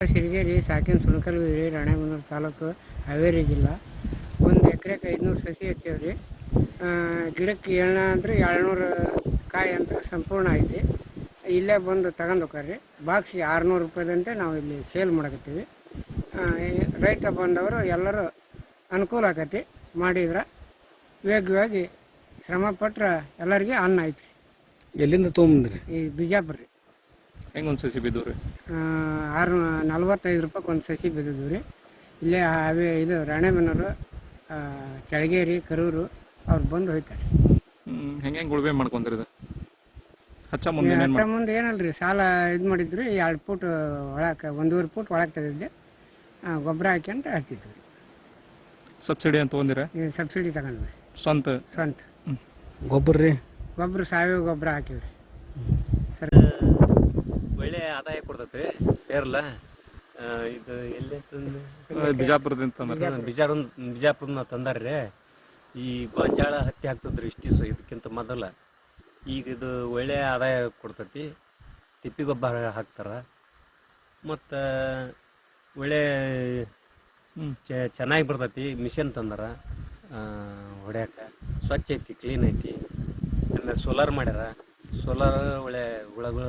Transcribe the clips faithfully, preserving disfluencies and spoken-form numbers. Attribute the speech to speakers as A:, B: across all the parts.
A: ಸಿರಿಗೇರಿ ಸಾಕಿನ ಸುಣಕಲ್ಗಿರಿ ರಾಣೆಬೆನ್ನೂರು ತಾಲೂಕು ಹಾವೇರಿ ಜಿಲ್ಲಾ. ಒಂದು ಎಕರೆಗೆ ಐದುನೂರು ಸಸಿ ಹಚ್ಚೇವಿ ರೀ. ಗಿಡಕ್ಕೆ ಏಳ್ನ ಅಂದ್ರೆ ಏಳ್ನೂರು ಕಾಯಿ ಅಂತ ಸಂಪೂರ್ಣ ಐತಿ. ಇಲ್ಲೇ ಬಂದು ತಗೊಂಡು ಹೋಗ್ರಿ. ಬಾಕ್ಸಿಗೆ ಆರುನೂರು ರೂಪಾಯಿದಂತೆ ನಾವು ಇಲ್ಲಿ ಸೇಲ್ ಮಾಡಕತ್ತೀವಿ. ರೈತ ಬಂದವರು ಎಲ್ಲರೂ ಅನುಕೂಲ ಆಗತ್ತೆ. ಮಾಡಿದ್ರೆ ವೇಗವಾಗಿ ಶ್ರಮ ಪಟ್ರೆ ಎಲ್ಲರಿಗೆ ಅನ್ನ ಐತ್ರಿ.
B: ಎಲ್ಲಿಂದ ತೊಗೊಂಬಂದ್ರಿ?
A: ಈ ಬಿಜಾಪುರ ರೀ.
C: ಹೆಂಗೆ ಒಂದು ಸಸಿ ಬಿದ್ದು ರೀ?
A: ಆರು ನಲ್ವತ್ತೈದು ರೂಪಾಯಿಗೆ ಒಂದು ಸಸಿ ಬಿದ್ದಿದ್ವು ರೀ. ಇಲ್ಲೇ ಅವೇ ಇದು ರಾಣೆಬೆನ್ನೂರು, ಕೆಳಗೇರಿ, ಕರೂರು ಅವ್ರು ಬಂದು ಹೋಯ್ತಾರೆ.
C: ಹೆಂಗೆ ಹೆಂಗೆ ಉಳುಮೆ ಮಾಡ್ಕೊಂತೀರಿ ಇದು? ಹಚ್ಚ ಮುಂದೆ
A: ಹಚ್ಚ ಮುಂದೆ ಏನಲ್ರಿ, ಸಾಲ ಇದು ಮಾಡಿದ್ರಿ. ಎರಡು ಫೂಟ್ ಒಳಕ್ಕೆ ಒಂದೂವರೆ ಫೂಟ್ ಒಳಗೆ ತೆಗೆದಿದ್ದೆ. ಗೊಬ್ಬರ ಹಾಕಿ ಅಂತ ಹಚ್ಚಿದ್ವಿ.
C: ಸಬ್ಸಿಡಿ ಅಂತ ತೊಗೊಂಡಿರ?
A: ಸಬ್ಸಿಡಿ ತಗೊಂಡ್ವಿ.
C: ಸ್ವಂತ
A: ಸ್ವಂತ
B: ಗೊಬ್ಬರ ರೀ?
A: ಗೊಬ್ಬರ ಸಾವಯವ ಗೊಬ್ಬರ ಹಾಕಿವ್ರಿ. ಸರ್
D: ಒಳ್ಳೆ ಆದಾಯ ಕೊಡ್ತೈತೆ ಪೇರ್ಲ. ಇದು ಎಲ್ಲಿ
C: ಬಿಜಾಪುರದಿಂದ
D: ಬಿಜಾರ ಬಿಜಾಪುರನ ತಂದಾರ್ರಿ. ಈ ಗೊಂಜಾಳ ಹತ್ತಿ ಹಾಕ್ತದ್ರಿ ಇಷ್ಟು ದಿವಸ ಇದಕ್ಕಿಂತ ಮೊದಲ. ಈಗ ಇದು ಒಳ್ಳೆ ಆದಾಯ ಕೊಡ್ತೈತಿ. ತಿಪ್ಪಿ ಗೊಬ್ಬರ ಹಾಕ್ತಾರೆ ಮತ್ತು ಒಳ್ಳೆ ಚೆನ್ನಾಗಿ ಬರ್ತೈತಿ. ಮಿಷನ್ ತಂದಾರ ಹೊಡ್ಯಾಕ. ಸ್ವಚ್ಛ ಐತಿ, ಕ್ಲೀನ್ ಐತಿ. ಆಮೇಲೆ ಸೋಲಾರ್ ಮಾಡ್ಯಾರ. ಸೋಲಾರ್ ಒಳ್ಳೆ ಹುಳಗಳು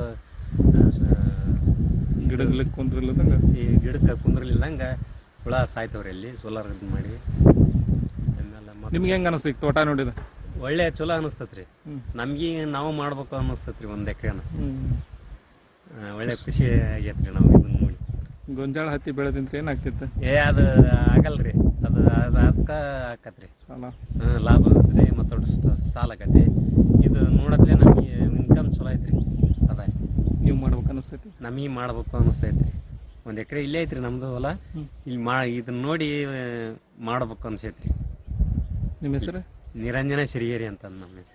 C: ಗಿಡಗಳಿಗೆ ಕುಂದ್ರಿಲ್ಲದಂಗೆ,
D: ಈ ಗಿಡಕ್ಕೆ ಕುಂದ್ರಲಿಲ್ಲಂಗೆ ಹುಳ ಸಾಯ್ತವ್ರಿ ಇಲ್ಲಿ ಸೋಲಾರ್ ಇದು ಮಾಡಿ. ಆಮೇಲೆ
C: ನಿಮ್ಗೆ ಹೆಂಗೆ ಅನಿಸ್ತು ಈಗ ತೋಟ ನೋಡಿದ?
D: ಒಳ್ಳೆ ಚಲೋ ಅನಿಸ್ತತ್ರಿ. ನಮ್ಗೆ ನಾವು ಮಾಡ್ಬೇಕು ಅನಿಸ್ತತ್ರಿ ಒಂದು ಎಕರೆನ. ಒಳ್ಳೆ ಖುಷಿ ಆಗೈತ್ರಿ ನಾವು ಇದನ್ನ ನೋಡಿ.
C: ಗೊಂಜಾಳ ಹತ್ತಿ ಬೆಳೆದಿಂತ ಏನಾಗ್ತಿತ್ತು?
D: ಏ ಅದು ಆಗಲ್ರಿ. ಅದು ಅದು ಅದಕ್ಕೆ ಆಕತ್ರಿ
C: ಸಾಲ.
D: ಹಾಂ, ಲಾಭ ಆಗತ್ರಿ. ಮತ್ತು ಸಾಲ ಆಕತಿ. ಇದು ನೋಡತ್ಲೆ ನಮಗೆ ಇನ್ಕಮ್ ಚಲೋ ಐತ್ರಿ, ಅದಾಯ.
C: ನೀವು ಮಾಡ್ಬೇಕು ಅನಿಸ್ತೈತಿ?
D: ನಮಗೆ ಮಾಡ್ಬೇಕು ಅನಿಸ್ತೈತ್ರಿ. ಒಂದು ಎಕರೆ ಇಲ್ಲೇ ಐತ್ರಿ ನಮ್ಮದು ಹೊಲ. ಇಲ್ಲಿ ಮಾ ಇದನ್ನ ನೋಡಿ ಮಾಡ್ಬೇಕು ಅನ್ಸೈತ್ರಿ.
C: ನಿಮ್ಮ ಹೆಸರು?
D: ನಿರಂಜನ ಸಿರಿಗೇರಿ ಅಂತ ನಮ್ಮ ಹೆಸರು.